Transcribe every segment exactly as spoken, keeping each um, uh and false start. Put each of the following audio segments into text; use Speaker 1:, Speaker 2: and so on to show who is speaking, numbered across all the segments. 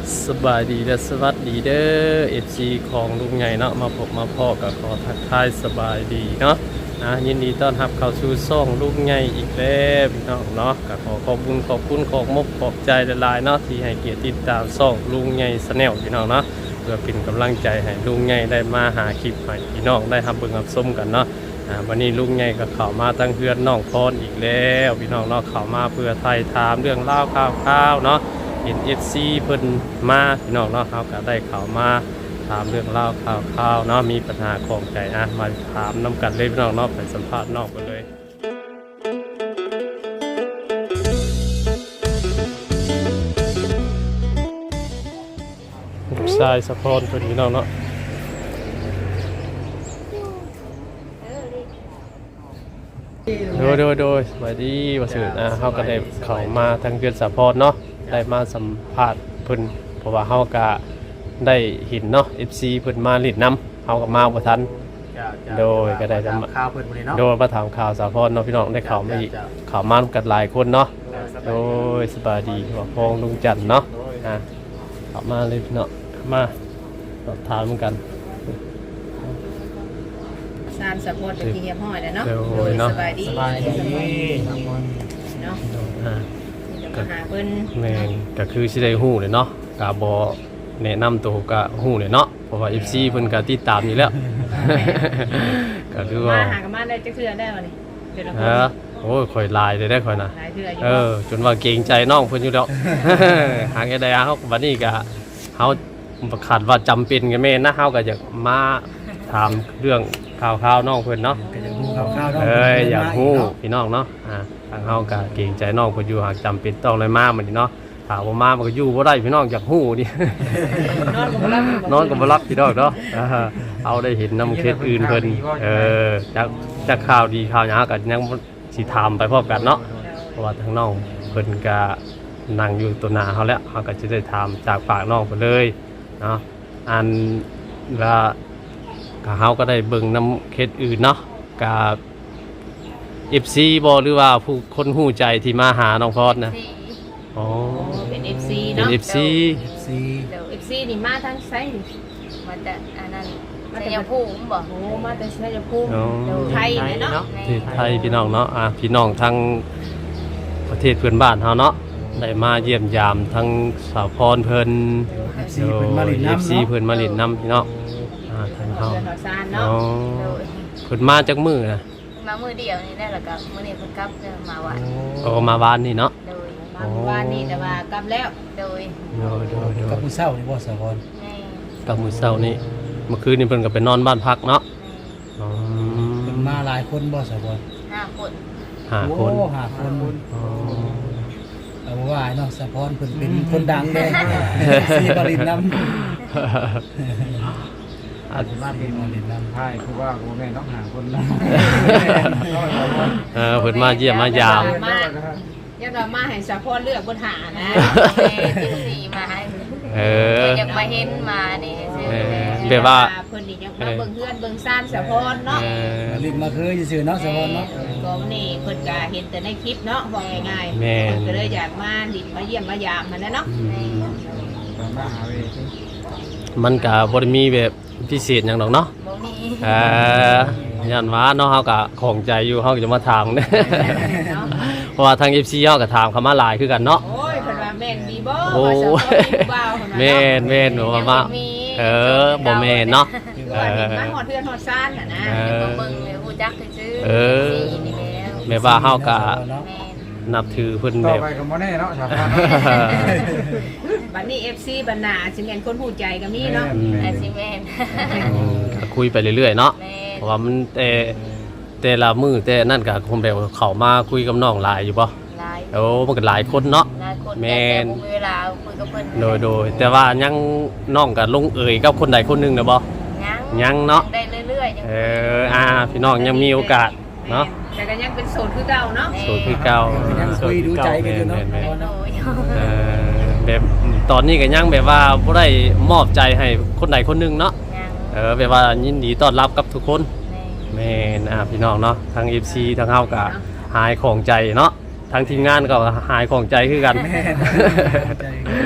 Speaker 1: สบายดีและสวัสดีเด้อเอฟซีของลุงใหญ่เนาะมาพบมาพ่อกับขอทักทายสบายดีเนาะนะยินดีต้อนรับเข้าสู่ช่องลุงใหญ่อีกแล้วพี่น้องเนาะก็ขอขอบคุณขอบคุณขอบมกขอบใจหลายๆเนาะที่ให้เกียรติติดตามช่องลุงใหญ่ชาแนลพี่น้องเนาะเพื่อเป็นกำลังใจให้ลุงใหญ่ได้มาหาคลิปให้พี่น้องได้รับเบิ่งรับชมกันเนาะวันนี้ลุงใหญ่ก็เข้ามาตั้งเฮือนน้องพรอีกแล้วพี่น้องเนาะเข้ามาเพื่อไทยถามเรื่องเล่าข่าวๆเนาะเห็น เอฟ ซี เพิ่นมาพี่น้องเนาะเขาก็ได้เข้ามาถามเรื่องเล่าข่าวๆเนาะมีปัญหาของใจอ่ะมาถามน้ำกันเลยพี่น้องเนาะไปสัมภาษณ์น้องไปเลยลูกชายสะพอนเพิ่นพี่น้องเนาะโดยโดยโดยสวัสดีว่าสื่ออ่ะเขาก็ได้เข้ามาทางเดือนสะพอนเนาะได้มาสัมภาษณ์เพิ่นเพราะว่าเฮาก็ได้เห็นเนาะ เอฟ ซี เพิ่นมาลิ้นน้ำเฮาก็มาบ่ทันโดยก็ได้จะมา
Speaker 2: ข่าวเพิ่นมื้อนี้เนาะ
Speaker 1: โดยมาถามข่าวสะพอนเนาะพี่น้องได้เข้ามาอีกเข้ามากันหลายคนเนาะโดยสบายดีว่าพองลุงจันทร์เนาะอ่ะเข้ามาเลยพี่น้องมาสอบถามกัน
Speaker 3: สามสะโพกที่เฮียห้อยแล้วเนาะ
Speaker 1: โดยเนาะ
Speaker 3: สบายดี
Speaker 2: สบายดี
Speaker 3: เนาะ
Speaker 1: อ่า
Speaker 3: เดี๋ยวมาหาเพิ่น
Speaker 1: แม่นก็คือสิได้ฮู้เลยเนาะก็บ่แนะนำตัวก็ฮู้เลยเนาะเพราะว่า เอฟ ซี เพิ่นก็ติดตามอยู่แล้ว ก็คือว่า
Speaker 3: มาหากันมาได้จักเทื่อได้บ่นี่เดี๋ยวเรา
Speaker 1: เออโอ้ยข่อยลายได้ได้ข่อยน่ะ
Speaker 3: หลายเทื่ออยู่
Speaker 1: เออจนว่าเกรงใจน้องเพิ่นอยู่แล้ว หาแค่ใดเฮาบัดนี้ก็เฮาขาดว่าจำเป็นกันแม่นะเฮาก็อยากมาถามเรื่องข่าวๆน้องเพิ่นเนาะ
Speaker 2: ก็จะรู้ข่าวๆเนาะ
Speaker 1: เอ้ยอยากฮู้พี่น้องเนาะอ่าทางเฮาก็เกรงใจน้องเพิ่นอยู่หากจำเป็นต้องเลยมามื้อนี้เนาะถ้าบ่มามันก็อยู่บ่ได้พี่น้องอยากฮู้นี่
Speaker 3: นอนก็บ่หลับ
Speaker 1: นอนก็บ่รับพี่น้องเนาะอ่าเอาได้เห็นนำเคสอื่นเพิ่นเออจากจากข่าวดีข่าวหยังก็ยังสิถามไปพร้อมกันเนาะเพราะว่าทางน้องเพิ่นก็นั่งอยู่ตัวหน้าเฮาแล้วเฮาก็จะได้ถามจากปากน้องเพิ่นเลยเนาะอันว่าก็เฮาก็ได้เบิ่งนำเคสอื่นเนาะกับ เอฟ ซี บ่หรือว่าผู้คนฮู้ใจที่มาหาน้องพรนะอ๋อ
Speaker 3: เป็น เอฟ ซี
Speaker 1: เป็น
Speaker 3: เนาะ
Speaker 1: เอฟ ซี
Speaker 2: ซี
Speaker 3: เดี๋ยว เอฟ ซี นี่มาทางไสนี่
Speaker 4: มาจากอันนั้น
Speaker 3: มา
Speaker 4: ชั
Speaker 3: แต่
Speaker 4: ยภูมิบ่
Speaker 3: โอ้มาแต่ชัยภูมิเดี๋ยวไทยนี่เนาะ
Speaker 1: ที่ไทยพี่น้องเนาะอ่ะพี่น้องทั้งประเทศเพื่อนบ้านเฮาเนาะได้มาเยี่ยมยามทั้งสาวพรเพิ่น
Speaker 2: เอฟซีเพิ่นมาลิน
Speaker 1: เอ
Speaker 2: น้ำ
Speaker 1: ฟ ซี
Speaker 2: เนาะ
Speaker 1: เพิ่นมาเล่นน้ำพี่น้องอ่าทางเฮา
Speaker 3: เดือนซาน
Speaker 1: อ๋อ
Speaker 3: เนาะ
Speaker 1: เพิ่นมาจากมื้อนะ
Speaker 4: มามือเดียวนี่ได้แล้วก็มื้อนี้เพิ่นกลับเดินมาวัด
Speaker 1: ก็มาบ้านนี่เนาะ
Speaker 4: โดย
Speaker 3: มาเมื่อวานนี่แต่ว่ากลับแล้ว
Speaker 4: โดย
Speaker 1: โดยโดยโด
Speaker 2: กับ
Speaker 1: ย
Speaker 2: ผู้เฒ่านี่บ่สะพร
Speaker 4: แม่
Speaker 1: กับมื้อเช้านี้เมื่อคืนนี้เพิ่นก็ไปนอนบ้านพักเนาะอ๋อ
Speaker 2: เพิ่นมาหลายคนบ่สะพร
Speaker 4: ห้าคน
Speaker 1: ห้าคน
Speaker 2: โอ้ห้าคน
Speaker 1: อ๋อ
Speaker 2: เอาว่าเนาะสะพรเพิ่นเป็นคนดังเด้ซีมาลินน้ำ
Speaker 1: อัน
Speaker 2: มาเป็นมาลินน้ำ
Speaker 5: ใช่คือว่าโอ้แม่ต้องหาคนละ
Speaker 1: เออเพิ่นมาเยี่ยมมายาม
Speaker 3: มาอย่าดราม่าให้สะโพกเลือกบนหานะ
Speaker 4: แม่ที่สี่มาให้
Speaker 1: เออ
Speaker 4: อยากมาเห็นมานี่ซื่อ
Speaker 1: เออ
Speaker 4: ๆ
Speaker 1: แบบว่า
Speaker 3: เพิ่นนี่ยังมาเบิ่งเฮือนเบิ่งซ่านสะโพกเนาะ
Speaker 1: เออ
Speaker 2: มาลินมาคือซื่อๆเนาะสะพรเนาะ
Speaker 3: ก็นี่เพิ่นก็เห็นแต่ในคลิปเนาะบอกง่ายๆ
Speaker 1: แม่น
Speaker 3: เพิ่นก็เลยอยากมาดิบมาเยี่ยมมายามมันนะเนาะ
Speaker 5: ตามมาหาเวที
Speaker 1: มันก็บ่ได้มีแบบพิเศษหยังดอกเนาะ
Speaker 4: บ่มี
Speaker 1: เออยันว่าเนาะเฮาก็ของใจอยู่เฮาก็จะมาถามเด้
Speaker 3: เนาะ
Speaker 1: เพราะว่าทาง เอฟ ซี เฮาก็ถามเข้ามาหลายคือกันเนาะ
Speaker 3: โอ้ยเพิ่นว่าแม่นดีบ่
Speaker 1: โอ้
Speaker 3: ว่าสะโพกมีผู้บ่าวเพิ่นว่า
Speaker 1: แม่นแม่นหนูว่ามาเออบ่แม่นเนาะ
Speaker 3: คือว่าดิบมาฮอดเฮือนฮอดซ่านน่ะนะ
Speaker 1: เออ
Speaker 4: เดี๋ยวมาเบิ่งเลยฮู้จักซื่อๆ
Speaker 1: เออ
Speaker 4: สี่นี่แล้ว
Speaker 1: แม่ว่าเฮาก็
Speaker 2: เนาะ
Speaker 4: แม่น
Speaker 1: นับถือเพิ่น
Speaker 5: ต่
Speaker 1: แบ
Speaker 5: อบ ไปก็บ่แน่เนาะชาวบ้าน
Speaker 3: บัดนี้ เอฟ ซี บัดหน้าสิแม่นคนฮู้ใจก็มีเนาะ
Speaker 1: อืม
Speaker 4: อาซิแม่น
Speaker 1: อืมก็คุยไปเรื่อยๆเนาะ
Speaker 4: แม่
Speaker 1: เพราะว่ามันแต่แต่ละมื้อแต่นั่นก็คงแบบเข้ามาคุยกับน้องหลายอยู่บ่
Speaker 4: หลาย
Speaker 1: โอ้มันก็หลายคนเนาะ
Speaker 4: หลายคน
Speaker 1: แม่น
Speaker 4: แต่บ่มีเวลาคุยกับเพิ่น
Speaker 1: โดยโดยแต่ว่ายังน้องก็ลงเอ่ยกับคนใดคนหนึงนะบ่
Speaker 4: ยัง
Speaker 1: ยังเนาะ
Speaker 4: ได้เรื่อยๆยัง
Speaker 1: เอออ่าพี่น้องยังมีโอกาสเนาะ
Speaker 3: แต่ก็ยังเป็นโสดคือเก่าเนาะ
Speaker 1: โสดคือเก่า
Speaker 2: ยังคุยดูใจกันอยู่เนาะ
Speaker 1: แม่นๆ
Speaker 4: โดย
Speaker 1: ๆเออแบบตอนนี้ก็ยังแบบว่าบ่ได้มอบใจให้คนใดคนหนึงเนาะ
Speaker 4: ยัง
Speaker 1: เออแบบว่ายินดีต้อนรับกับทุกคน
Speaker 4: แม่
Speaker 1: แม่นอ่าพี่น้องเนาะทั้ง เอฟ ซี ทั้งเฮาก็หายของใจเนาะทั้งทีมงานก็หายของใจคือกัน
Speaker 2: แม่นใจ
Speaker 1: เพ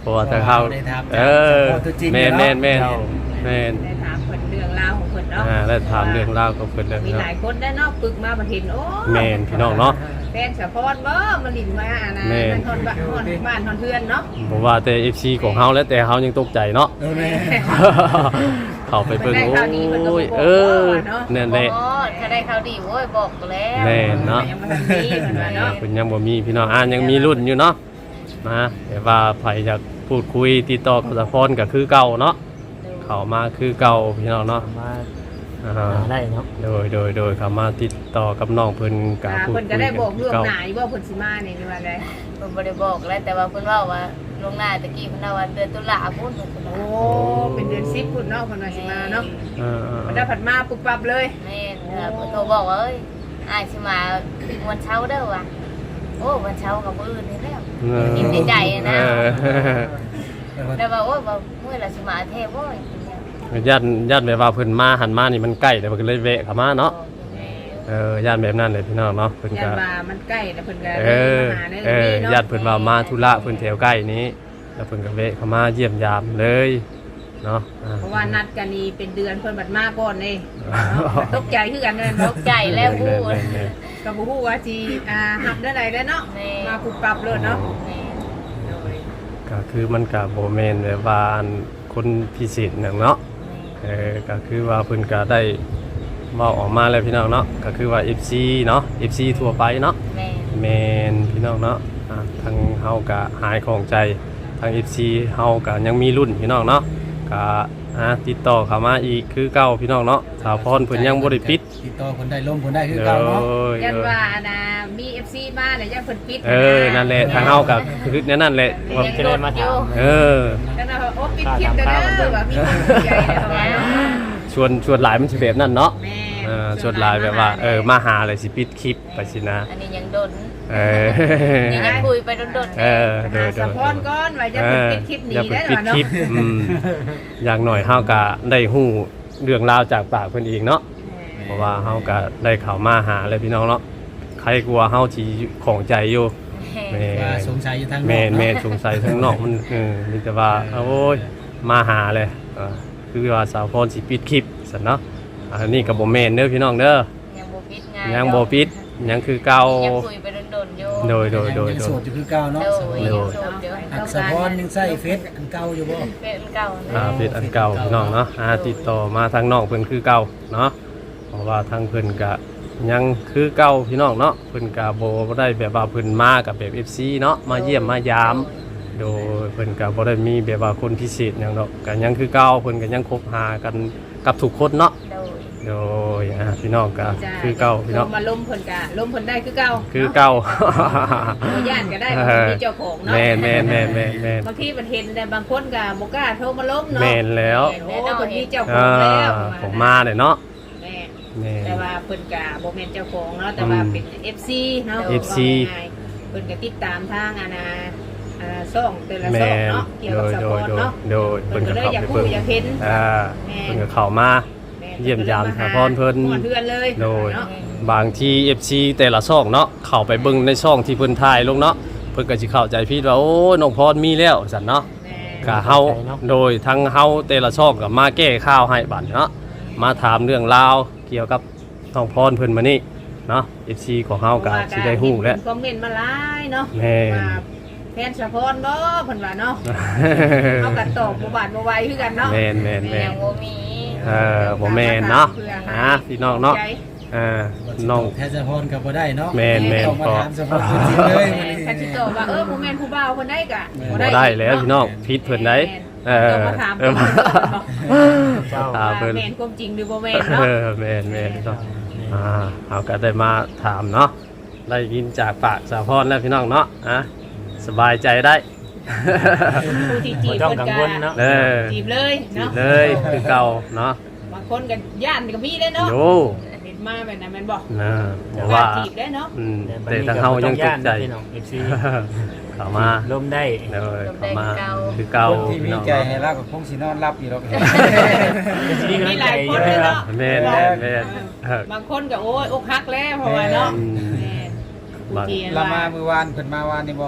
Speaker 1: ราะว่าทางเฮา
Speaker 2: ได้ถาม
Speaker 1: เออ
Speaker 2: จากตัวจริง
Speaker 1: แม่น
Speaker 2: เนาะ
Speaker 1: แม่นแม่นแม่น
Speaker 3: ได้ถามเพิ่นเรื่องราวของเพิ่นเนาะ
Speaker 1: อ่าได้ถามเรื่องราวของเพิ่นแล้ว
Speaker 3: มีห
Speaker 1: เนาะ
Speaker 3: ลายคนได้เนาะปึกมาบ่เห็นโอ้
Speaker 1: แม่นพี่น้องเนาะ
Speaker 3: แฟนสะพอนบ่มาลิ้นมาอ่ะนะ
Speaker 1: แม่น
Speaker 3: มันทนบ้านทนบ้านทนเพื่อนเนาะ
Speaker 1: ผมว่าแต่ เอฟ ซี ของเฮาแล้วแต่เฮายังตกใจเนาะ
Speaker 2: เออแม่
Speaker 1: เข้าไปเบิ่ง
Speaker 3: ได้
Speaker 1: โอ้
Speaker 3: ข่าวดีเพิ่นก็บ่
Speaker 1: ย
Speaker 3: บอก
Speaker 1: เออ
Speaker 3: เนาะ
Speaker 1: นั่นแหละ
Speaker 4: โอ้ถ้าได้ข่าวดีโว้ยบอกแล้ว
Speaker 1: แม่นเนาะ
Speaker 3: ยังบ่ทันมีเพิ่นว่าเนาะ
Speaker 1: เพิ่นยังบ่มีพี่น้องอ่านยังมีรุ่นอยู่เนาะนะแต่ว่าไผอยากพูดคุยติดต่อกับสะพรก็คือเก่าเนาะเข้ามาคือเก่าพี่น้องเนาะ
Speaker 6: มา
Speaker 1: อ่า
Speaker 6: หาได้เนาะ
Speaker 1: โดยโดยโดยเข้ามาติดต่อกับน้องเพิ่นก็
Speaker 3: อ่า
Speaker 1: พูด
Speaker 3: เพิ่น
Speaker 1: คุ
Speaker 3: ก็
Speaker 1: ย
Speaker 3: ได้
Speaker 1: กัน
Speaker 3: บอก
Speaker 1: คื
Speaker 3: เรื่
Speaker 1: อ
Speaker 3: อง
Speaker 1: เก่า
Speaker 3: หน้าอยู่ว่าเพิ่นสิมานี่นี่ว่าได้
Speaker 4: เพิ่นบ่ได้บอกแล้วแต่ว่าเพิ่นเว้าว่าลวงหน้าตะกี้เพิ่นว่าเดือนตุลาพุ่นเพิ่น
Speaker 3: โอ้เป็นเดือนสิบพุ่นเนาะเพิ่นว่าสิมาเนาะ
Speaker 1: เออ
Speaker 3: มันได้ผัดมาปุ๊บปั๊บเลย
Speaker 4: แม่นเออเพิ่นโทรบอกว่าเอ้ยอ้ายสิมาวันเช้าร์เด้อว่ะโอ้วันเช้าร์กับมื้ออื่นนี่แล้ว
Speaker 1: เออ
Speaker 4: ยิ้มในใจอะนะ
Speaker 1: เออ
Speaker 4: แต่ว่าโอ้ยว่ามื้อละสิมาแท้บ่ย
Speaker 1: ญาติญาติแบบว่าเพิ่นมาหันมานี่มันใกล้แต่เพิ่นก็เลยแวะเข้ามาเนาะเออญาติแบบนั้นเลยพี่น้องเนาะเพิ่น
Speaker 3: ยั
Speaker 1: ก็
Speaker 3: นว่ามันใกล้แล้วเพิ่นก็
Speaker 1: เออ
Speaker 3: มาหาใน
Speaker 1: เออ
Speaker 3: นี้เนาะ
Speaker 1: ญาติเพิ่นว่ามาธุระเพิ่นแถวใกล้นี้แล้วเพิ่นก็แวะเข้ามาเยี่ยมยามเลยเนาะอ่
Speaker 3: เพราะว่านัดกันนี่เป็นเดือนเพิ่นบัดมาก่อนนี่ตกใจคือกันเลย
Speaker 4: ต
Speaker 3: เนาะ
Speaker 4: กใจแล้วพูด
Speaker 1: แม่น
Speaker 3: ก็บ่ฮู้ว่าสิอ่าหับได้ใดได้เนาะ
Speaker 4: แม่
Speaker 3: มาปุ๊บปั๊บเลยเนาะ
Speaker 4: แม่
Speaker 3: โดย
Speaker 1: ๆก็คือมันก็บ่แม่นแบบว่าอันคนพิเศษหยังเนาะเออก็คือว่าเพิ่นก็ได้เว้าออกมาแล้วพี่น้องเนาะก็คือว่า เอฟ ซี เนาะ เอฟ ซี ทั่วไปเนาะ
Speaker 4: แม่
Speaker 1: แมนพี่น้องเนาะอ่ะทางเฮากะหายของใจทาง เอฟ ซี เฮากะยังมีรุ่นพี่น้องเนาะกะอ่ะติดต่อเข้ามาอีกคือเก่าพี่น้องเนาะสาวพรเพิ่นยังบ่ได้ปิด
Speaker 2: ติดต่อคนได้ลมคนได้คือ
Speaker 1: เด้
Speaker 2: เก่าเนาะ
Speaker 1: อ
Speaker 3: ยันว่านะมี เอฟ ซี มาเนี่ยยันเพิ่นปิด
Speaker 1: เออนั่นแหละทางเฮากะคือแนวนั่นแหละว่า
Speaker 6: จะได้มาถาม
Speaker 1: เออ
Speaker 3: ยันว่าโอ้ปิดคลิปเด้อว่ามีคนสนใจเด้อว่าเนาะ
Speaker 1: ชวนชวนหลายมันสิแบบนั้นเนาะ
Speaker 3: แม่
Speaker 1: เออชวนหลายแบบว่าเออมาหาเลยสิปิดคลิปไปสินะ
Speaker 4: อันนี้ยังโดน
Speaker 1: เออ
Speaker 4: ยังยังคุยไปโดนๆ
Speaker 1: เออโด
Speaker 3: หาย
Speaker 1: โด
Speaker 3: สะ
Speaker 1: ย
Speaker 3: พอนก่อนว่าจะ
Speaker 1: เอ
Speaker 3: เพิ่น
Speaker 1: อ
Speaker 3: ปิดคลิปหนี
Speaker 1: อย่าไป
Speaker 3: ได้
Speaker 1: ปิด
Speaker 3: เนาะ
Speaker 1: คลิปอืมอย่างหน่อยเฮาก็ได้ฮู้เรื่องราวจากปากเพิ่นเองเนาะเพราะว่าเฮาก็ได้เข้ามาหาเลยพี่น้องเนาะใครกลัวเฮาสิของใจอยู่แม่
Speaker 2: ว่าสงสัยอยู่ทางนอก
Speaker 1: แม่น
Speaker 2: เนาะ
Speaker 1: แม่นสงสัยทั้งนอกมันเออมีแต่ว่าโอ้ยมาหาเลยเออคือว่าสาวพรสิปิดคลิปซั่นเนาะอันนี้ก็บ่แม่นเด้อพี่น้องเด้อ
Speaker 4: ยังบ่ปิดงาน
Speaker 1: ยังบ่ปิดยังคือเก่า
Speaker 4: ยังคุยไปโดนๆอยู่
Speaker 1: โดยโดยโดย
Speaker 2: ยัง
Speaker 1: โด
Speaker 2: โส
Speaker 1: ย
Speaker 2: ดอยู่คือเก่าเนาะ
Speaker 4: โดยยังโสดอยู่
Speaker 2: อักษรพรยังใส่เฟซอันเก่าอยู่บ่
Speaker 4: เป็นเก่า
Speaker 1: อ่าเป็นอันเก่าพี่น้องเนาะอ่าติดต่อมาทางน้องเพิ่นคือเก่าเนาะเพราะว่าทางเพิ่นก็ยังคือเก่าพี่น้องเนาะเพิ่นก็บ่ได้แบบว่าเพิ่นมากับแบบ เอฟ ซี เนาะมาเยี่ยมมายาม โดยเพิ่นก็บ่ได้มีแบบว่าคนพิเศษหยังดอกก็ยังคือเก่าเพิ่นก็ยังคบหากันกับทุกคนเนาะ
Speaker 4: โดย
Speaker 1: โดยอ่าพี่น้องก็คือเก่าพี่น้อง
Speaker 3: ลมมาล้มเพิ่นก็ล้มเพิ่นได้คือเก่า
Speaker 1: คือเก่า
Speaker 3: บ่ย่านก็ได้เพราะเพิ่นมีเจ้าของเนาะ
Speaker 1: แม่นแม่นแม่นแม่นแม่น
Speaker 3: บางทีมันเห็นแต่บางคนก็บ่กล้าโทรมาล้มเนาะ
Speaker 1: แม่นแล้ว
Speaker 3: โอ้เพิ่นมีเจ้าขอ
Speaker 1: อ่าง
Speaker 3: แล้ว
Speaker 1: ผมมาเลยเนาะ
Speaker 3: แม่
Speaker 1: แม่น
Speaker 3: แต่ว่าเพิ่นก็บ่แม่นเจ้าของเนาะแต่ว่าเป็น เอฟ ซี เนาะ
Speaker 1: เอฟ ซี
Speaker 3: ว่าง่ายๆเพิ่นก็ติดตามทางอาณาอ่าช่องแต่ละ
Speaker 1: แม
Speaker 3: ช่อง
Speaker 1: น
Speaker 3: เนาะเกี่ยว
Speaker 1: โด
Speaker 3: กับ
Speaker 1: ย
Speaker 3: ส
Speaker 1: โด
Speaker 3: ป
Speaker 1: ย
Speaker 3: อน
Speaker 1: โดย
Speaker 3: เนาะ
Speaker 1: โดย
Speaker 3: เพิ่
Speaker 1: เพิ่
Speaker 3: น
Speaker 1: น
Speaker 3: ก็
Speaker 1: ก็
Speaker 3: เลย
Speaker 1: เข้า
Speaker 3: อยาก
Speaker 1: ไป
Speaker 3: รู้
Speaker 1: เบิ่ง
Speaker 3: อยากเห็น
Speaker 1: อ่า
Speaker 3: แม่
Speaker 1: เพิ่นก็เข้ามา เยี่ยมยามสาพรเพิ่น
Speaker 3: ฮอดเทือนเลย
Speaker 1: โดย
Speaker 3: เนาะ
Speaker 1: บางที เอฟ ซี แต่ละช่องเนาะเข้าไปเบิ่งในช่องที่เพิ่นถ่ายลงเนาะเพิ่นก็สิเข้าใจผิดว่าโอ้ยน้องพรมีแล้วซั่นเนาะ
Speaker 3: แม่
Speaker 1: ก็เฮาโดยทั้งเฮาแต่ละช่องก็มาแก้ข่าวให้บัดเนาะมาถามเรื่องราวเกี่ยวกับน้องพรเพิ่นมานี่เนาะ เอฟ ซี ของเฮาก็สิได้ฮู้แล้ว
Speaker 3: เพิ่นคอมเมนต์มาหลายเนาะ
Speaker 1: แม่น
Speaker 3: ว่าแฟนสะพอนบ่เพิ่นว่าเนาะเอากันตอบบ่บาดบ่ไหวคือกันเนาะ
Speaker 1: แม่นแม่นแม่
Speaker 4: ยั
Speaker 1: น
Speaker 4: งบ่มี
Speaker 1: เออบ่แม่นเนาะอ่าพี่น้องเนาะอ่าน้อง
Speaker 2: แท้สะพรก็บ่ได้เนาะ
Speaker 1: แม่นแม่น
Speaker 2: ต้องมา
Speaker 1: พอ
Speaker 2: ถามสะพรจริงๆเลย
Speaker 3: คันสิตอบว่าเออบ่แม่นผู้บ่าวเพิ่นได้ก็
Speaker 1: บ่ได้แล้วพี่น้องผิดเพิ่นได้เออ
Speaker 3: ต้องมาถาม
Speaker 1: เอ
Speaker 3: เพิ่
Speaker 1: อน
Speaker 3: เนาะ
Speaker 1: ถามเพิ่น
Speaker 3: แม่นความจริงหรือบ่แม่น
Speaker 1: เอ
Speaker 3: เนาะ
Speaker 1: อแม่นแม่นเนาะอ่าเอาก็ได้มาถามเนาะได้ยินจากปากสาวพรแล้วพี่น้องเนาะอ่ะสบายใจได้
Speaker 3: ผู้ที่จี
Speaker 6: บ่
Speaker 3: บ
Speaker 6: ต้อง
Speaker 3: เพิ่น
Speaker 6: กัง
Speaker 3: ก็
Speaker 6: วลเนาะ
Speaker 1: เออ
Speaker 3: จีบเลยเนาะ
Speaker 1: เลยคือเก่าเนาะ
Speaker 3: บางคนก็ย่านก็มีได้เนาะ
Speaker 1: โย
Speaker 3: เห็นมาแบบนั้นแม่นบ่
Speaker 1: นะบอกว่า
Speaker 3: จีบได้เนาะ
Speaker 1: อืมแต่ทางเฮายังตกใจ
Speaker 6: พี่น้อง เอฟ ซี
Speaker 1: เข้ามา
Speaker 6: ลมได้
Speaker 1: เลยเข้ามาคือเก่า
Speaker 5: คนที่มี
Speaker 1: พี่น้อง
Speaker 5: ใจให้รักก็คงสินอนรับอยู่หรอก
Speaker 6: มีกำลั
Speaker 3: มี
Speaker 6: ง
Speaker 3: ห
Speaker 6: ใจ
Speaker 3: ลายค
Speaker 6: เย
Speaker 3: น
Speaker 6: อะ
Speaker 3: เลยเนาะ
Speaker 1: แม่นแม่นแม่นเออบ
Speaker 3: างคนก็โอ้ยอกหักแล้วเพราะว่าเนาะ
Speaker 1: อืม
Speaker 3: แม่นผู้ที่
Speaker 5: ละมามื้อวานเพิ่นมาวานนี่บ่
Speaker 4: แม่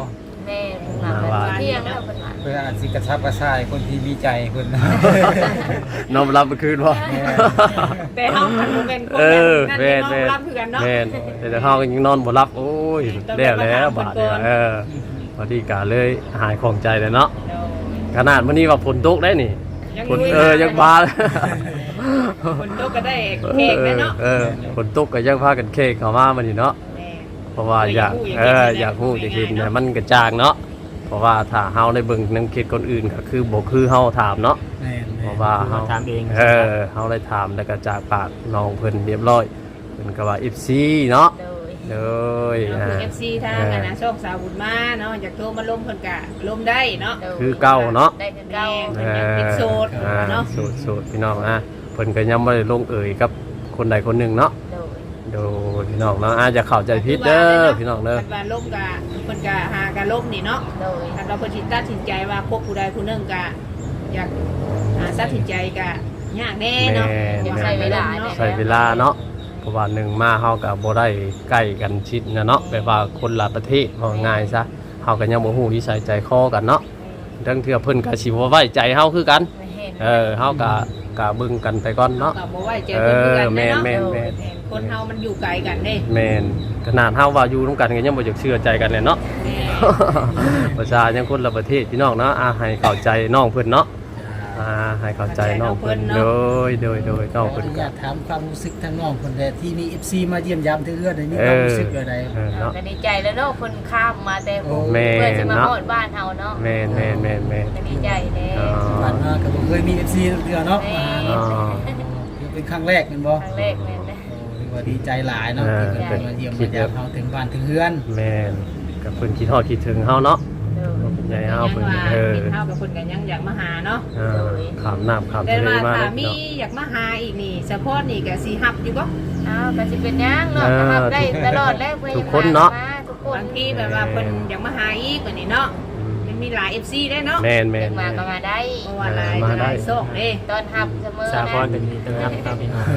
Speaker 4: แม่เพิ่นมาแบบเที่ยงแล้วเพิ่นว่า
Speaker 5: เพื่ออาจสิกระชับกระชายคนที่มีใจเพิ่น
Speaker 1: น้อมรับเมื่อคืนบ่
Speaker 3: แต่เฮาคันบ่แม่นคน
Speaker 1: เออ
Speaker 3: นั่น
Speaker 1: แม่น
Speaker 3: เนาะ
Speaker 1: แม่น
Speaker 3: รับคือกันเนาะ
Speaker 1: แม่นแต่เฮาก็ยังนอนบ่หลับโอ้ยแล้วแล้วบาดเนี่ยเออพอดีกาเลยหายของใจเลยเนาะขนาดมื้อนี้ว่าฝนตกได้นี่
Speaker 3: ยัง
Speaker 1: ฝน
Speaker 3: ลุย
Speaker 1: เออยังบา
Speaker 3: ฝนตกก็ได้เค้กได้เนาะ
Speaker 1: เออฝนตกก็ยังพากันเค้กเข้ามามื้อนี้เนาะ
Speaker 3: แม่
Speaker 1: เพราะว่าอยากเอออยากฮู้อยากเห็นเนี่ยมันกระจ่างเนาะเพราะว่าถ้าเฮาได้เบิ่งน้ำเค้กคนอื่นก็คือบ่คือเฮาถามเนาะ
Speaker 2: แม่น
Speaker 1: เพราะว่าเฮา
Speaker 6: ถามเอง
Speaker 1: เออเฮาได้ถามแล้วก็จากปากน้องเพิ่นเรียบร้อยเพิ่นก็ว่า เอฟ ซี เนาะ
Speaker 4: โดย
Speaker 1: เลย
Speaker 3: เราคือ เอฟ ซี ทางอันนะโชคสาวบุญมาเนาะอยากโทรมาล้มเพิ่นก็ล้มได้เนาะ
Speaker 4: โดย
Speaker 1: คือเก่าเนาะ
Speaker 4: ได้คือเก่า
Speaker 3: เพิ่นยังเป็นโสด
Speaker 1: อ่า
Speaker 3: เนาะ
Speaker 1: โสดโสดพี่น้องอ่ะเพิ่นก็ยังบ่ได้ลงเอ่ยกับคนใดคนหนึ่งเนาะ
Speaker 4: โดย
Speaker 1: โดยพี่น้องเนาะอาจจะเข้าใจผิดเด้อพี่น้องเด้อ
Speaker 3: คันว่าล้มก็เพิ่นก็หากันล้มนี่เนาะ
Speaker 4: โดย
Speaker 3: ถ้าเราเพิ่นสิตัดสินใจว่าพบผู้ใดผู้หนึงก็อยากหาตัดสินใจก็ยากแน่เนาะ
Speaker 1: แม่
Speaker 3: อยากใช้เวลาเนาะ
Speaker 1: ใช้เวลาเนาะเพราะว่าหนึ่งมาเฮาก็บ่ได้ใกล้กันชิดนะเนาะแบบว่าคนละประเทศว่าง่ายซะเฮาก็ยังบ่ฮู้นิสัยใจคอกันเนาะทั้งเทื่อเพิ่นก็สิบ่ไว้ใจเฮาคือกัน
Speaker 4: ไม่เห็น
Speaker 1: เออเฮาก็ก็เบิ่งกันไปก่อนเนาะ
Speaker 3: ก็บ่ไว้ใจเพิ่นคือกัน
Speaker 1: เออแม่
Speaker 3: เนาะ
Speaker 1: นแม่นแม่น
Speaker 3: คนเฮามันอยู่ไกลกันเด้
Speaker 1: แม่นขนาดเฮาว่าอยู่ร่วมกันก็ยังบ่อยากเชื่อใจกันเลยเนาะ
Speaker 3: แม่
Speaker 1: ประชายังคนละประเทศพี่น้องเนาะอาให้เข้าใจน้องเพิ่นเนาะอ่าให้เข้าใจน้องเพิ่นโดยโดยโดยน้อง
Speaker 2: ขอ
Speaker 1: เพิ่น
Speaker 2: อนุ
Speaker 1: ก็
Speaker 2: ญาตถามความรู้สึกทางน้องคนใดที่มี เอฟ ซี มาเยี่ยมยามเทื่อได้มีความรู้สึกอะไร
Speaker 1: เออเนาะ
Speaker 4: ก็ดีใจแล้วเนาะคนข้ามมาแต่ผม
Speaker 1: แม่
Speaker 4: เพื่อจะมา
Speaker 1: เนาะ
Speaker 4: ฮอดบ้านเฮาเนาะ
Speaker 1: แม่นแม่นแม่นแม่น
Speaker 4: ก็ดีใจแน่
Speaker 1: อ๋อ
Speaker 2: ผ่านมาก็บ่เคยมี เอฟ ซี เทื่อเนาะมาหา
Speaker 1: อ๋อ
Speaker 2: เนาะเป็นครั้งแรกแม่นบ่
Speaker 4: ครั้งแรกแม่นนะ
Speaker 2: โอ้ถือว่าดีใจหลายเนาะ
Speaker 1: เออ
Speaker 2: ที่เพิ่นมาเยี่ยมมายามเฮาถึงบ้านถึงเฮือน
Speaker 1: แม่นกับเพิ่นคิดฮอดคิดถึงเฮาเนาะ
Speaker 4: โดย
Speaker 1: ใหญ่
Speaker 3: ยั
Speaker 1: เฮาง เพิ่น
Speaker 3: ว่า
Speaker 1: เออ
Speaker 3: เฮากับเพิ่นก็ยังอยากมาหาเนาะ
Speaker 1: อ่าขามน้ำขาม
Speaker 3: แต่
Speaker 1: ทะเล
Speaker 3: ว่า
Speaker 1: มา
Speaker 3: ถ้า
Speaker 1: เนาะ
Speaker 3: มีอยากมาหาอีกนี่สะโพดนี่ก็สิฮับอยู่บ่
Speaker 4: อ้าวก็สิเป็นหยังเนาะ
Speaker 1: เออ
Speaker 4: ทำได้ตลอดแล้วเพิ่
Speaker 1: ทุกคนเนาะ
Speaker 4: มาทุกคน
Speaker 3: บางทีแบบว่าเพิ่นอยากมาหาอีกกว่านี้เนาะมันมีหลาย เอฟ ซี ได้เนาะ
Speaker 1: แม่นแม่
Speaker 4: เด็
Speaker 1: น
Speaker 4: กมา
Speaker 1: แม่น
Speaker 4: ก็มาได้
Speaker 3: เพราะว่าหลาย
Speaker 1: มาได้
Speaker 3: หลายโซกเด้
Speaker 4: ตอนหับเสมอ
Speaker 6: สา
Speaker 4: นะ
Speaker 6: พรเป็นต้นรับครับพี่น้อง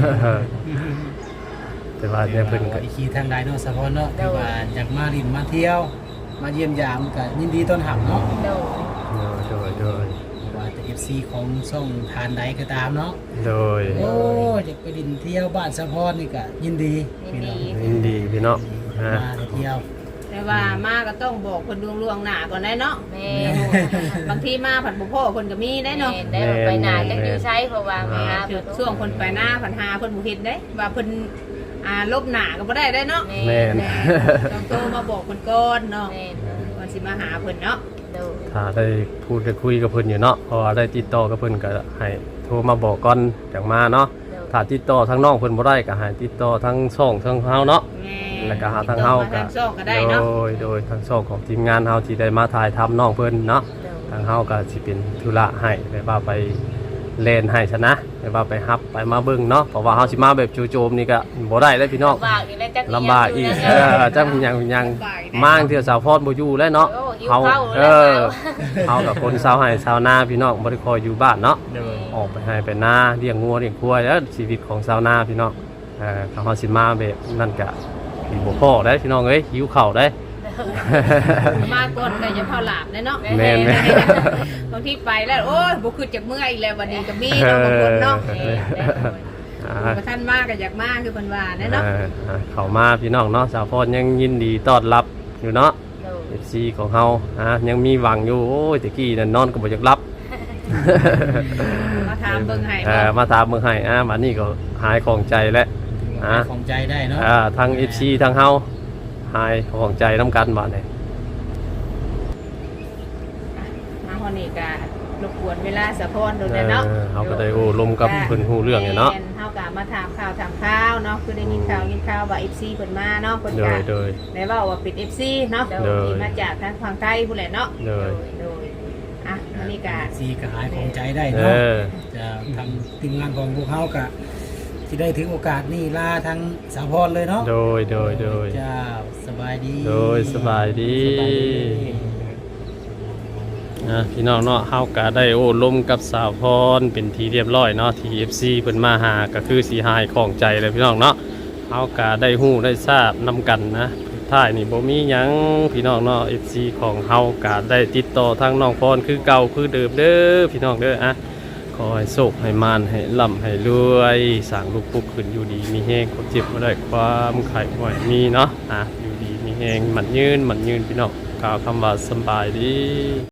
Speaker 1: แต่ว่าเนี่ยเพิ่นก็
Speaker 2: อีกทีทางใดเนาะสะพอนเนาะที่ว่าอยากมาลินมาเที่ยว มาเยี่ยมยามก็ยินดีต้อนรับเนาะ
Speaker 4: โดย
Speaker 1: โดยโดย
Speaker 2: ว่าจะ เอฟ ซี ของช่องทานใดก็ตามเนาะ
Speaker 1: โดย
Speaker 2: โอ้อยากไปดินเที่ยวบ้านสะพอนนี่ก็ยินดี
Speaker 4: ยินดี
Speaker 1: ยินดีพี่เนาะ
Speaker 2: พี่
Speaker 1: ฮะ
Speaker 2: น้องมาเที่ยว
Speaker 3: แต่ว่ามาก็ต้องบอกเพิ่นล่วงๆหน้าก่อนได้เนาะ
Speaker 4: แม่
Speaker 3: บางทีมาผัดบ่พ่อเพิ่นก็มีได้เนาะ
Speaker 4: แม่ได้ไปหนาจักอยู่ใช้เพราะว่ามาหา
Speaker 3: คือช่วงเพิ่นไปหน้าผันหาเพิ่นบ่เฮ็ดได้ว่าเพิ่นอ่าลบหน้าก็บ่ได้ได้เนาะ
Speaker 1: แม่น
Speaker 3: แม่ต้องโทรมาบอกเพิ่นก่อนเนาะ
Speaker 4: แม่
Speaker 3: ก่อนสิมาหาเพิ่นเนาะ
Speaker 4: โดย
Speaker 1: ถ้าได้พูดได้คุยกับเพิ่นอยู่เนาะเพราะว่าได้ติดต่อกับเพิ่นก็ให้โทรมาบอกก่อนจังมาเนาะ
Speaker 4: โดย
Speaker 1: ถ้าติดต่อทางน้องเพิ่นบ่ได้ก็ให้ติดต่อทางช่องทางเฮาเนาะ
Speaker 3: แม่
Speaker 1: แล้วก็หาทางเฮา
Speaker 3: ติดต่อม
Speaker 1: ก็
Speaker 3: ทางช่องก็ได้เนาะ
Speaker 1: โดยโดยทางช่องของทีมงานเฮาที่ได้มาถ่ายทำน้องเพิ่นเนาะ
Speaker 4: โดย
Speaker 1: ทางเฮาก็สิเป็นธุระให้แบบว่าไปเล่นให้ชนะแบบว่าไปฮับไปมาเบิ่งเนาะเพราะว่าเฮาสิมาแบบจู่โจมนี่ก็บ่ได้เลยพี่น้อง
Speaker 4: ลำบากอีกแล้วจัก
Speaker 1: ลำบากอีกเออจังหยังหยังมางเที่ยวสาวพรบ่อยู่แล้วเนาะ
Speaker 4: โอ้หิว
Speaker 1: เฮา
Speaker 4: ข้าว
Speaker 1: เอ
Speaker 4: แล้ว
Speaker 1: อเฮากับคนชาวไร่ชาวนาพี่น้องบ่ได้คอยอยู่บ้านเนาะ
Speaker 6: โดย
Speaker 1: ออกไปให้ไปนาเลี้ยงงัวเลี้ยงควายแล้วชีวิตของชาวนาพี่น้องเอ่อถ้าเฮาสิมาแบบนั่นก็สิบ่พอได้พี่น้องเอ้ยหิวข้าวได้
Speaker 3: มาก่อนก็จะพอหลับเลยเนาะ
Speaker 1: แม่นแม่น
Speaker 3: บางทีไปแล้วโอ้ยบ่คือจากเมื่อยอีกแล้ววันนี้ก็มีเนาะบางคนเนาะ
Speaker 1: เออ อ่า
Speaker 3: บ่ท่านมาก็อยากมาคือเพิ่นว่าแน่เนาะ
Speaker 1: เอออ่าเข้ามาพี่น้องเนาะสาวพรยังยินดีต้อนรับอยู่เนาะ
Speaker 4: โดย
Speaker 1: เอฟ ซี ของเฮาอ่ะยังมีหวังอยู่โอ้ยตะกี้นั่นนอนก็บ่อยากรับ
Speaker 3: มาถามเบิ่งให้
Speaker 1: เออมาตามเมืองให้อ่ะบัดนี้ก็หายของใจแล้วอ่ะ
Speaker 2: ของใจได้เนาะ
Speaker 1: อ่าทาง เอฟ ซี ทางเฮาหายของใจนํกันบัดนี้
Speaker 3: มาฮอดนี่ก็รบกวนเวลาสะพรโดน
Speaker 1: เอ
Speaker 3: แล้วเนาะ
Speaker 1: อเฮาก็ได้โอ้ลมกับเพิ่นฮู้เรื่องเนี่ยเนาะ
Speaker 3: แม่เฮาก็มาถามข่าวถามข่าวเนาะคือได้ยินข่าวยินข่าวว่า เอฟ ซี เพิ่นมาเนาะเพิ่น
Speaker 1: โด
Speaker 3: ก็
Speaker 1: ยโดย
Speaker 3: ได้เว้าว่าเป็น เอฟ ซี เนาะ
Speaker 1: โดย
Speaker 3: ที่มาจากทางฝั่งไทยพุ่นแหละเนาะ
Speaker 1: โดย
Speaker 3: โดยอ่ะอันนี้ก็
Speaker 2: ซีก็หายของใจได้
Speaker 1: เอ
Speaker 2: เนาะ
Speaker 1: อ
Speaker 2: จะทำทีมงานของพวกเขากะที่ได้ถึงโอกาสนี่ลาทั้งสาวพรเลยเนาะ
Speaker 1: โดยโดยโดย
Speaker 2: เจ้าสบายดี
Speaker 1: โดยสบายดี
Speaker 2: สบายดี
Speaker 1: นะพี่น้องเนาะเฮาก็ได้โอ้ลมกับสาวพรเป็นทีเรียบร้อยเนาะที่ เอฟ ซี เพิ่นมาหาก็คือสิหายของใจเลยพี่น้องเนาะเฮาก็ได้ฮู้ได้ทราบนํกันนะทท้ายนี่บ่มีหยังพี่น้องเนาะ เอฟ ซี ของเฮาก็ได้ติดต่อทางน้องพรคือเก่าคือเดิมเด้อพี่น้องเด้ออะขอให้โชคให้มานให้ร่ำให้รวยสร้างลูกปุ๊กขึ้นอยู่ดีมีแฮงความเจ็บบ่ได้ความไข้บ่ให้มีเนาะอ่ะอยู่ดีมีแฮงมันยืนมันยืนพี่น้องกล่าวคำว่าสำบายดี